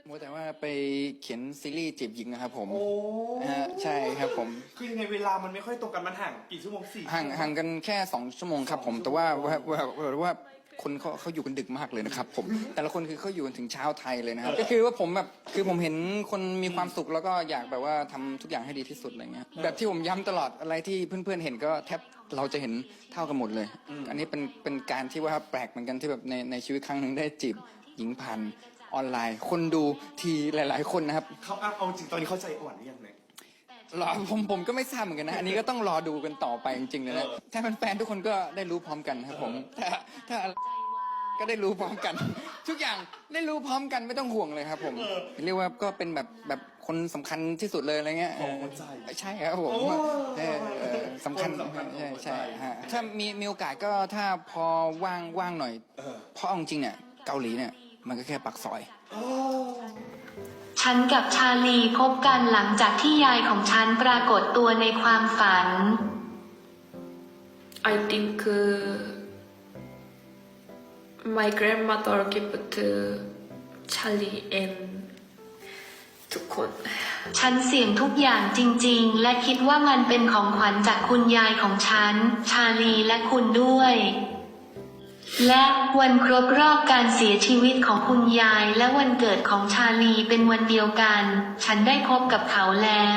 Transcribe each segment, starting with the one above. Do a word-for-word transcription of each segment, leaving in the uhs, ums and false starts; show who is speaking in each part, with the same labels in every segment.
Speaker 1: มัวแต่ว่าไปเขียนซีรีส์จีบหญิงนะครับผม
Speaker 2: โอ้
Speaker 1: ฮะใช่ครับผม
Speaker 2: คือยังไงเวลามันไม่ค่อยตรงกันมันห่างกี่ชั่วโมงสี่
Speaker 1: ห่างห่างกันแค่สองชั่วโมงครับผมแต่ว่าว่าว่าว่าว่าคนเขาเขาอยู่กันดึกมากเลยนะครับผมแต่ละคนคือเขาอยู่กันถึงเช้าไทยเลยนะครับก็คือว่าผมแบบคือผมเห็นคนมีความสุขแล้วก็อยากแบบว่าทำทุกอย่างให้ดีที่สุดอะไรเงี้ยแบบที่ผมย้ำตลอดอะไรที่เพื่อนๆเห็นก็แทบเราจะเห็นเท่ากันหมดเลย อันนี้เป็นเป็นการที่ว่าแปลกเหมือนกันที่แบบในในชีวิตครั้งหนึ่งได้จีบหญิงผ่านออนไลน์ คนดูทีหลายๆคนนะครับ
Speaker 2: เขาอ่ะเอาจริงตอนนี้เข้าใจอ่อนหรือยังเนี่ย
Speaker 1: รอผมผมก็ไม่ทราบเหมือนกันนะ อันนี้ก็ต้องรอดูกันต่อไปจริงๆเลยนะ ถ้าแฟนๆทุกคนก็ได้รู้พร้อมกันครับผม ถ้าถ้าก็ได้รู้พร้อมกัน ทุกอย่างได้รู้พร้อมกันไม่ต้องห่วงเลยครับผมเรียกว่าก็เป็นแบบแบบคนสำคัญที่สุดเลยอะไรเงี้ย
Speaker 2: ของหัวใจ
Speaker 1: ใช่ครับผม
Speaker 2: โอ้
Speaker 1: เออเออสำคัญ
Speaker 2: คนสำคัญของ
Speaker 1: ใช่
Speaker 2: หัวใจ
Speaker 1: ใช่ฮะถ้ามีมีโอกาสก็ถ้าพอว่างว่างหน่อย
Speaker 2: เออ
Speaker 1: เพราะเอาจริงๆเนี่ยเกาหลีเนี่ยมันก็แค่ปากซอย
Speaker 3: ฉันกับชาลีพบกันหลังจากที่ยายของฉันปรากฏตัวในความฝัน
Speaker 4: I think uh, my grandmother gave to Charlie and ทุกคน
Speaker 3: ฉันเสี่ยงทุกอย่างจริงๆ และคิดว่ามันเป็นของขวัญจากคุณยายของฉัน ชาลีและคุณด้วย และวันครบรอบการเสียชีวิตของคุณยายและวันเกิดของชาลีเป็นวันเดียวกัน ฉันได้พบกับเขาแล้ว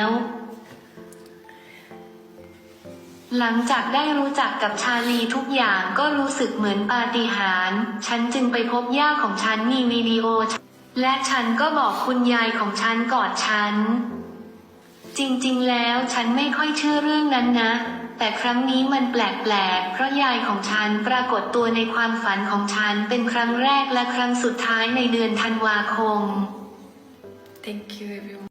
Speaker 3: หลังจากได้รู้จักกับชาลีทุกอย่างก็รู้สึกเหมือนปาฏิหาริย์ฉันจึงไปพบย่าของฉันมีวิดีโอ และฉันก็บอกคุณยายของฉันกอดฉัน จริงๆแล้วฉันไม่ค่อยเชื่อเรื่องนั้นนะ แต่ครั้งนี้มันแปลกๆ เพราะยายของฉันปรากฏตัวในความฝันของฉันเป็นครั้งแรกและครั้งสุดท้ายในเดือนธันวาคม
Speaker 4: Thank you everyone